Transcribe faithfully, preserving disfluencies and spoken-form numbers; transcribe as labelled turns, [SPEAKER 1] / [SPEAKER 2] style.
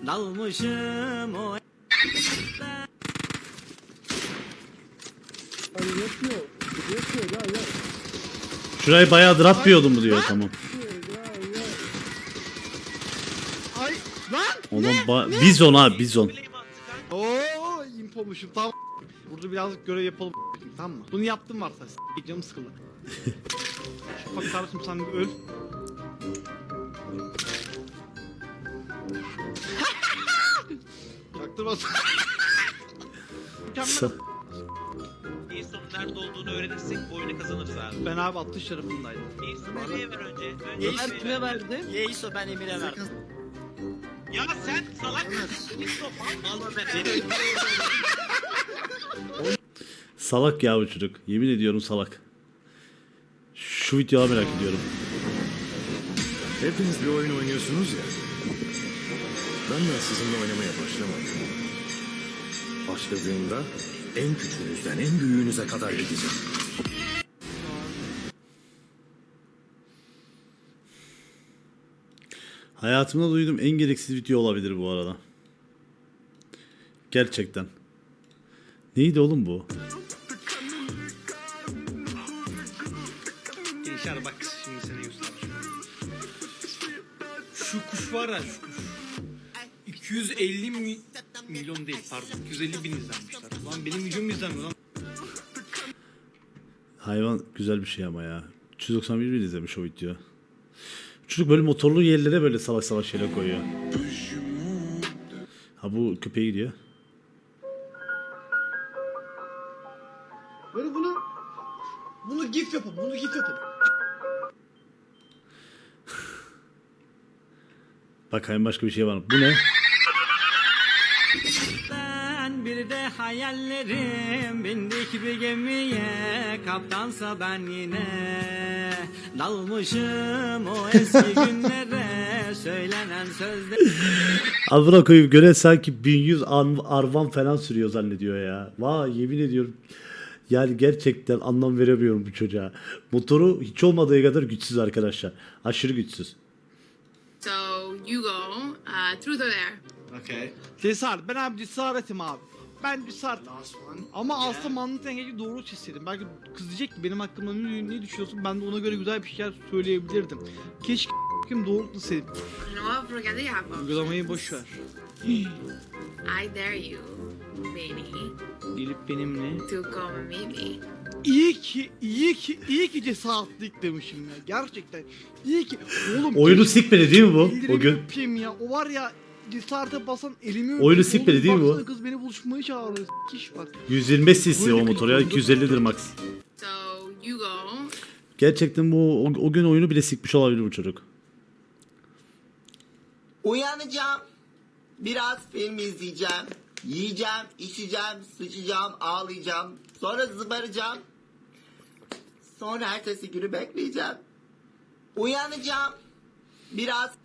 [SPEAKER 1] dalmışım o.
[SPEAKER 2] Hani yatıyor. Yatıyor ya ya.
[SPEAKER 3] Şurayı bayağıdır atmıyordum mu diyor, tamam.
[SPEAKER 2] Ay lan.
[SPEAKER 3] Oğlum ba- bizon abi, bizon.
[SPEAKER 2] Oo impomuşum tamam. Burada birazcık görev yapalım tamam mı? Bunu yaptım varsa s*** canım sıkıldı. Şu bak kardeşim sen bir öl. Çaktırmasın. Mükemmel.
[SPEAKER 4] En son nerede olduğunu öğrenirsek bu oyunu kazanırız abi.
[SPEAKER 2] Ben abi atış tarafındaydım.
[SPEAKER 4] En son nereye ver önce? Önce
[SPEAKER 1] Yeiso
[SPEAKER 4] nereye
[SPEAKER 1] kime
[SPEAKER 4] ver?
[SPEAKER 1] verdi? Yeiso ben Emir'e verdim.
[SPEAKER 4] Ya sen salak mısın? Yeiso mal ben.
[SPEAKER 3] Salak ya bu çocuk. Yemin ediyorum salak. Şu videoyu merak ediyorum.
[SPEAKER 5] Hepiniz bir oyun oynuyorsunuz ya. Ben de sizinle oynamaya başlamadım. Başladığımda en küçüğünüzden en büyüğünüze kadar gideceğim.
[SPEAKER 3] Hayatımda duyduğum en gereksiz video olabilir bu arada. Gerçekten. Neydi oğlum bu?
[SPEAKER 2] Gençler bak şimdi seni göstereceğim. Şu kuş var ya şu kuş. iki yüz elli mi milyon değil pardon. iki yüz elli bin izlenmişler. Lan benim videom izlenmiyor lan.
[SPEAKER 3] Hayvan güzel bir şey ama ya. üç yüz doksan bir bin izlemiş o video. Çocuk böyle motorlu yerlere böyle salak salak şeyler koyuyor. Ha bu köpeğe gidiyor.
[SPEAKER 2] Böyle bunu bunu gif yapın. Bunu gif yapın.
[SPEAKER 3] Bakayım başka bir şey var mı? Bu ne?
[SPEAKER 1] Ben bir de hayallerim bindik bir gemiye, kaptansa ben yine dalmışım o eski günlere, söylenen sözler.
[SPEAKER 3] Amına koyayım, göre sanki bin yüz ar- arvan falan sürüyor zannediyor ya. Vay yemin ediyorum. Yani gerçekten anlam veremiyorum bu çocuğa. Motoru hiç olmadığı kadar güçsüz arkadaşlar. Aşırı güçsüz.
[SPEAKER 6] So you go uh, through there.
[SPEAKER 2] Okay. Cesaret. Ben abi cesaretim abi. Ben cesaret. Ama aslında mantık dengeci doğru çizseydim. Belki kız diyecek ki benim hakkımda ne, ne düşünüyorsun? Ben de ona göre güzel bir şeyler söyleyebilirdim. Keşke kim doğrultusaydım.
[SPEAKER 6] No, forget the apples.
[SPEAKER 2] Uygulamayı boş ver.
[SPEAKER 6] I dare you, baby,
[SPEAKER 2] Gelip benimle.
[SPEAKER 6] to come and meet me.
[SPEAKER 2] İyi ki, iyi ki, iyi ki cesaretlik demişim ya. Gerçekten. İyi ki. Oğlum.
[SPEAKER 3] Oyunu
[SPEAKER 2] keşke
[SPEAKER 3] sikmedi değil mi bu?
[SPEAKER 2] ellerimi
[SPEAKER 3] O gün.
[SPEAKER 2] öpeyim ya. O var ya. Cesarete basan elimi öpeyim.
[SPEAKER 3] Oyunu sikmedi değil mi bu?
[SPEAKER 2] Oğlum baksana kız beni buluşmaya çağırıyor. Kiş bak.
[SPEAKER 3] yüz yirmi beş cc o motor ya, iki yüz ellidir max.
[SPEAKER 6] So you go.
[SPEAKER 3] Gerçekten bu o, o gün oyunu bile sikmiş olabilir bu çocuk.
[SPEAKER 7] Uyanacağım. Biraz film izleyeceğim. Yiyeceğim, içeceğim, sıçacağım, ağlayacağım. Sonra zıbaracağım. Sonra ertesi günü bekleyeceğim. Uyanacağım. Biraz